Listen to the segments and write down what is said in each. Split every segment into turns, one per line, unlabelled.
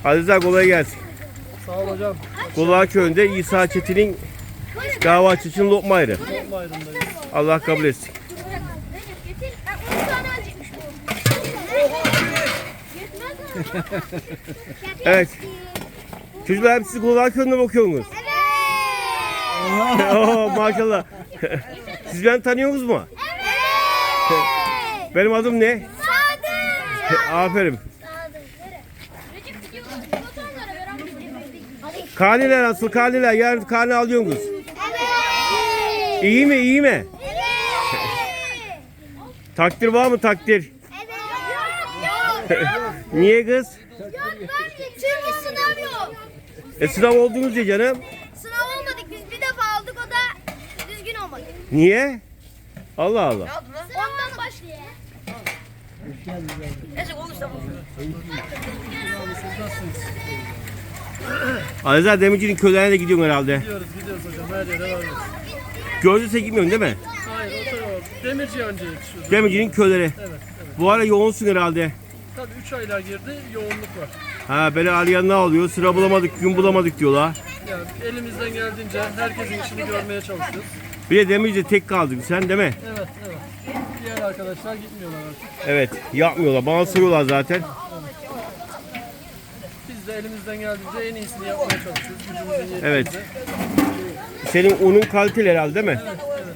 Aziz kolay gelsin.
Sağ ol hocam.
Kulağa köyünde İsa Çetin'in dava açışının lokma ayrı.
Lokma ayrımdayız.
Allah kabul etsin. Evet. Çocuklar hep siz kulağa köyünde bakıyorsunuz. Evet. Oo, maşallah. Siz beni tanıyorsunuz mu? Evet. Benim adım ne? Sadık. Aferin. Karneler nasıl? Karneler. Yarın karne alıyorsunuz. Evet. İyi mi? İyi mi? Evet. Takdir var mı takdir?
Evet. Yok.
Niye kız?
Yok ben çünkü sınav yok.
Sınav oldunuz ya canım.
Sınav olmadık biz bir defa aldık o da düzgün olmadı.
Niye? Allah Allah.
Ondan başlıyor.
Aziz Demirci'nin köylerine de gidiyorsun herhalde.
Gidiyoruz hocam. Her yere varıyoruz.
Gözlüse gitmiyorsun değil mi?
Hayır o tarafa. Demirci önce yetişiyoruz.
Demirci'nin köyleri.
Evet.
Bu ara yoğunsun herhalde.
Tabii 3 aylar girdi. Yoğunluk var.
Ha böyle arayan ne oluyor? Sıra bulamadık, gün bulamadık diyorlar.
Yani elimizden geldiğince herkesin işini görmeye çalışıyoruz.
Bir de Demirci'de tek kaldın sen değil mi?
Evet. Diğer arkadaşlar gitmiyorlar artık.
Evet, yapmıyorlar. Bana soruyorlar zaten.
Biz de elimizden geldiğince en iyisini yapmaya çalışıyoruz. Gücümüzün yettiğince.
Evet. Senin unun kaliteli herhalde değil mi?
Evet Allah'ın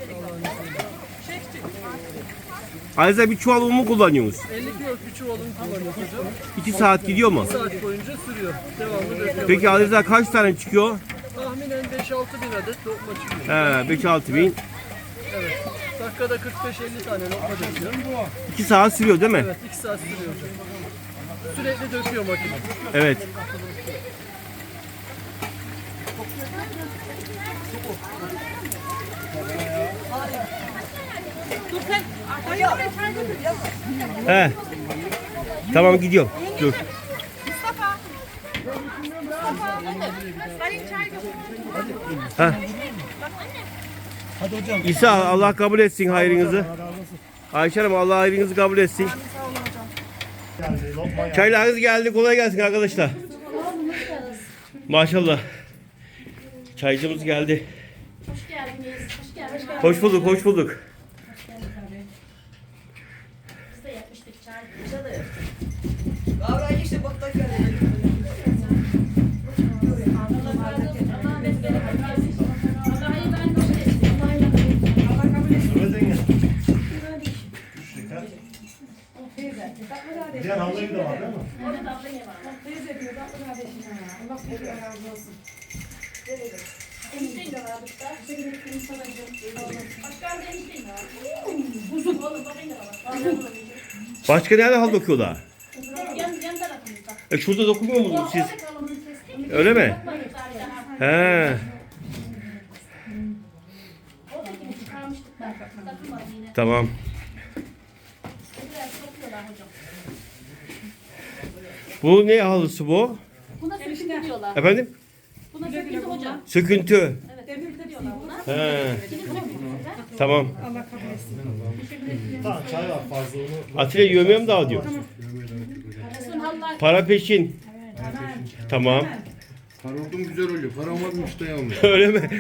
izniyle.
Aziz bir çuval un mu kullanıyorsunuz?
50 kiloluk bir çuvalını kullanıyoruz hocam.
2 saat gidiyor mu?
1 saat boyunca sürüyor. Devamlı döküyor.
Peki Aziz kaç tane çıkıyor?
Tahminen 5-6 bin adet lokma çıkıyor.
He, 5-6 bin.
Evet. Dakikada 45-50 tane lokma döküyor.
2 saat sürüyor değil mi?
Evet 2 saat sürüyor hocam. Sürekli döküyor makine.
Evet. He. Tamam gidiyorum. Dur. Ha.
Hadi hocam.
İsa Allah kabul etsin hayrınızı. Ayşe Hanım Allah hayrınızı kabul etsin. Çaylarınız geldi. Kolay gelsin arkadaşlar. Maşallah. Çaycımız geldi.
Hoş geldiniz. Hoş geldiniz.
Hoş bulduk, hoş bulduk.
Biz de yapmıştık çay.
Diğer havlayı da var değil mi?
Orada da abla var. Enişteyin de var burada. Başkan da enişteyin de var. Uzun. Oğlum bakayım da var.
Başka nerede hal dokuyorlar?
Yan tarafımızda.
Şurada dokunuyor musunuz siz? Öyle mi? He.
Oradakini çıkarmıştık da. Takılmadı yine.
Tamam.
Biraz topluyorlar hocam.
Bu ne halısı bu?
Buna söküntü diyorlar.
Efendim?
Buna söküntü hocam.
Söküntü.
Evet, söküntü diyorlar buna.
He.
Şimdi söküntüler.
Tamam.
Tamam çay var fazla onu.
Atilla yövmeye mi daha diyor?
Kısım halılar.
Para peşin. Tamam.
Para oldum güzel oluyor. Para olmadı müşteri olmuyor.
Öyle mi?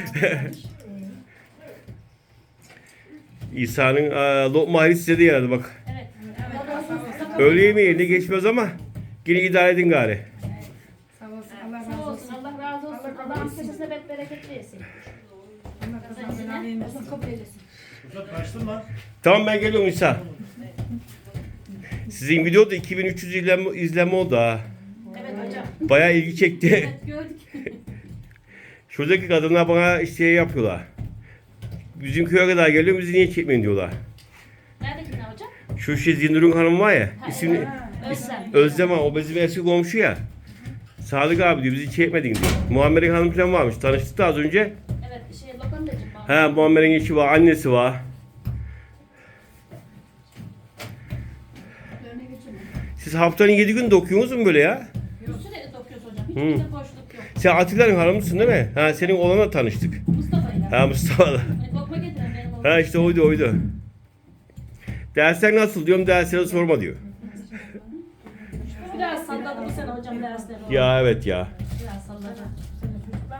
İsa'nın lokma hali size de yaradı bak.
Evet.
Öğle yemeği yerine geçmez ama yine idare edin gari.
Sağ olsun. Allah razı olsun. Allah'ın kesesine bereket versin. Allah kabul eylesin.
Kaçtın lan.
Tamam ben geliyorum İsa. Sizin videoda 2300 izlenme oldu ha.
Evet hocam.
Bayağı ilgi çekti.
Evet gördük.
Şuradaki kadınlar bana şey yapıyorlar. Bizim köye kadar geliyor bizi niye çekmeyin diyorlar.
Neredekiler hocam?
Şu şey Zinur'un hanım var ya. İsmini
Özlem.
Özlem o bizim eski komşu ya. Sadık abi diyor bizi çekmedin diyor. Muammer'in hanım falan varmış. Tanıştık da az önce.
Evet lokantacım var.
He Muammer'in eşi var, annesi var. Siz haftanın 7 gün dokuyorsunuz mu böyle ya?
Sürekli dokuyoruz hocam. Hiçbir de boşluk yok.
Sen Atilla'nın hanımısın değil mi? Ha senin oğlanla tanıştık.
Mustafa'yla.
Ha Mustafa'la.
Lokma getiren benim oğlum.
Ha işte oydu. Dersler nasıl diyorum derslere sorma diyor.
Biraz salladı bu sene hocam. Biraz da
Ya evet ya.
biraz salladı.